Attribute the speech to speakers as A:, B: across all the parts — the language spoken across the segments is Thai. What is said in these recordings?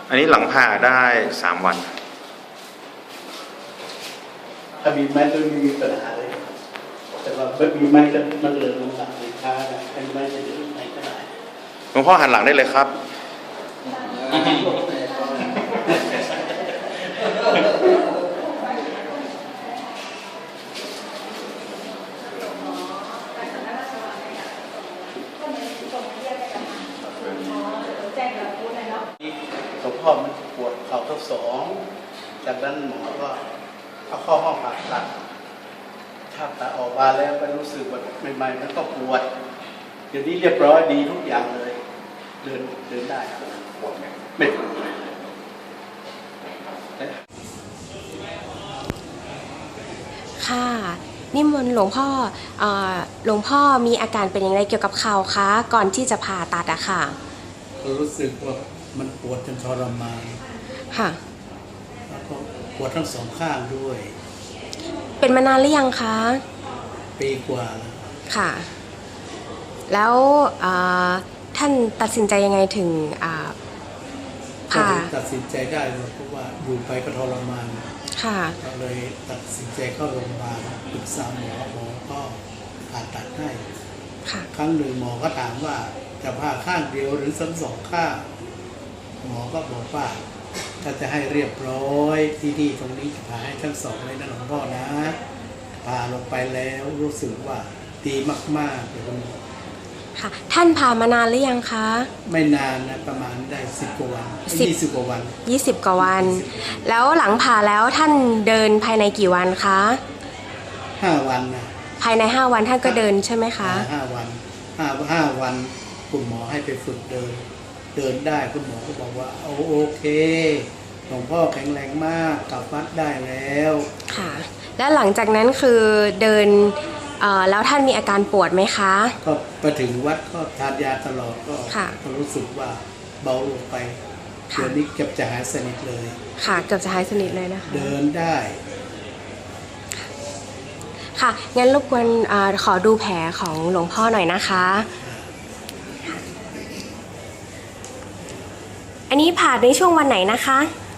A: อันนี้หลังผ่าได้3 วัน
B: ถ้ามีไม้ก็ไม่มีปัญหาเลยแต่ว่าไม่มีไม้ก็มันเหลือลงหลังเลยค้าให้ไม้จะเดินไหนก็ได้
A: หลวงพ่อหันหลังได้เลยครับ
B: หลวงพ่อมันปวดเข่าทั้งสองจากนั้นหมอก็เอาเข้าห้องผ่าตัดถ้าตัดออกมาแล้วก็รู้สึกว่าใหม่ๆมันก็ปวดเดี๋ยวนี้เรียบร้อยดีทุกอย่างเลยเดินได้ไม่ปวดเลย
C: ค่ะนิมนต์หลวงพ่อมีอาการเป็นอย่างไรเกี่ยวกับเข่าคะก่อนที่จะผ่าตัดอะค่ะ
B: รู้สึกว่ามันปวดจนทรมาน
C: ค่ะ
B: แล้วก็ปวดทั้งสองข้างด้วย
C: เป็นมานานหรือยังคะ
B: ปีกว่าแล้ว
C: ค่ะแล้วท่านตัดสินใจยังไงถึงผ่า
B: ตัดสินใจได้เพราะว่าอยู่ไปก็ทรมาน
C: ค่ะ
B: ก็เลยตัดสินใจเข้าโรงพยาบาลปรึกษาหมอก็ผ่าตัดให้ครั้งหนึ่งหมอก็ถามว่าจะผ่าข้างเดียวหรือทั้งสองข้างหมอก็บอกว่าถ้าจะให้เรียบร้อยที่ตรงนี้จะผ่าให้ทั้งสองเลยนะหลวงพ่อนะผ่าลงไปแล้วรู้สึกว่าดีมากๆเลย
C: ค่ะท่านผ่ามานานหรือยังคะ
B: ไม่นานนะประมาณได้10 กว่าวัน20 กว่าวัน
C: 20 กว่าวันแล้วหลังผ่าแล้วท่านเดินภายในกี่วันคะ
B: 5 วันนะ
C: ภายใน5 วันท่านก็เดินใช่ไหมคะ
B: 5 วัน5 วันคุณหมอให้ไปฝึกเดินได้คุณหมอก็บอกว่าโอเคหลวงพ่อแข็งแรงมากกลับวัดได้แล้ว
C: ค่ะและหลังจากนั้นคือเดินแล้วท่านมีอาการปวดไหมคะ
B: ก็ไปถึงวัดก็ทานยาตลอดก็รู้สึกว่าเบาลงไปเดี๋ยวนี้เกือบจะหายสนิทเลย
C: ค่ะเกือบจะหายสนิทเลยนะคะ
B: เดินได้
C: ค่ะงั้นรบกวนขอดูแผลของหลวงพ่อหน่อยนะคะอันนี้ผ่าในช่วงวันไหนนะคะ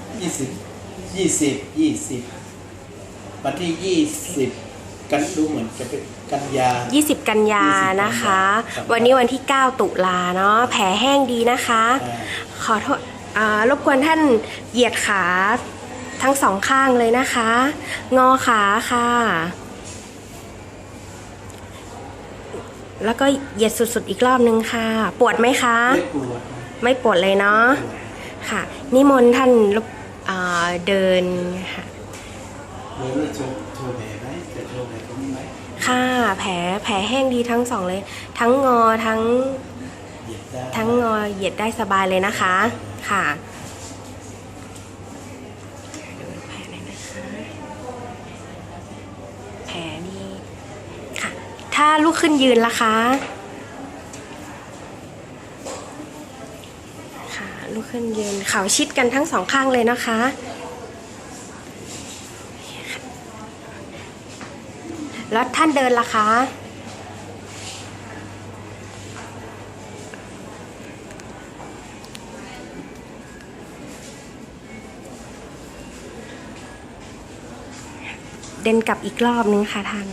B: 20วันที่20กันดูเหมือนจะเป็นกันยา
C: 20 กันยานะคะวันนี้วันที่9 ตุลาเนาะแผลแห้งดีนะคะขอโทษรบกวนท่านเหยียดขาทั้ง2 ข้างเลยนะคะงอขาค่ะแล้วก็เหยียดสุดๆอีกรอบนึงค่ะปวดไหมคะไม่ปวดเลยเนาะค่ะนิมนต์ท่านเดินค่ะค่ะแผลแห้งดีทั้ง2เลยทั้งงอทั้งงอเหยียดได้สบายเลยนะคะค่ะดูแผลเลยนะคะแผลนี่ค่ะถ้าลุกขึ้นยืนล่ะคะค่ะลุกขึ้นยืนเข่าชิดกันทั้ง2 ข้างเลยนะคะแล้วท่านเดินล่ะคะเดินกลับอีกรอบนึงค่ะท่าน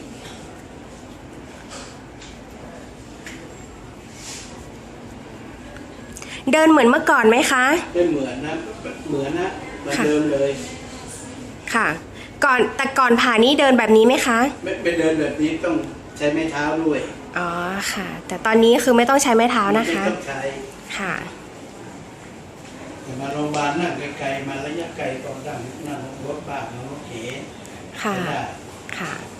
C: เดินเหมือนเมื่อก่อนไหมคะ
B: ไม่เหมือนนะเหมือนเดินเลย
C: ค่ะแต่ก่อนผ่านี้เดินแบบนี้ไหมคะ
B: ไม่เดินแบบนี้ต้องใช้ไม้เท้าด้วย
C: อ๋อค่ะแต่ตอนนี้คือไม่ต้องใช้ไม้เท้านะคะ
B: ไม่ต้องใช้
C: ค่ะ
B: มาโรงพยาบาลนั่งไกลๆมาระยะไกลก็นั่งรถบ้านนั่งรถเก๋
C: ค่ะค่ะ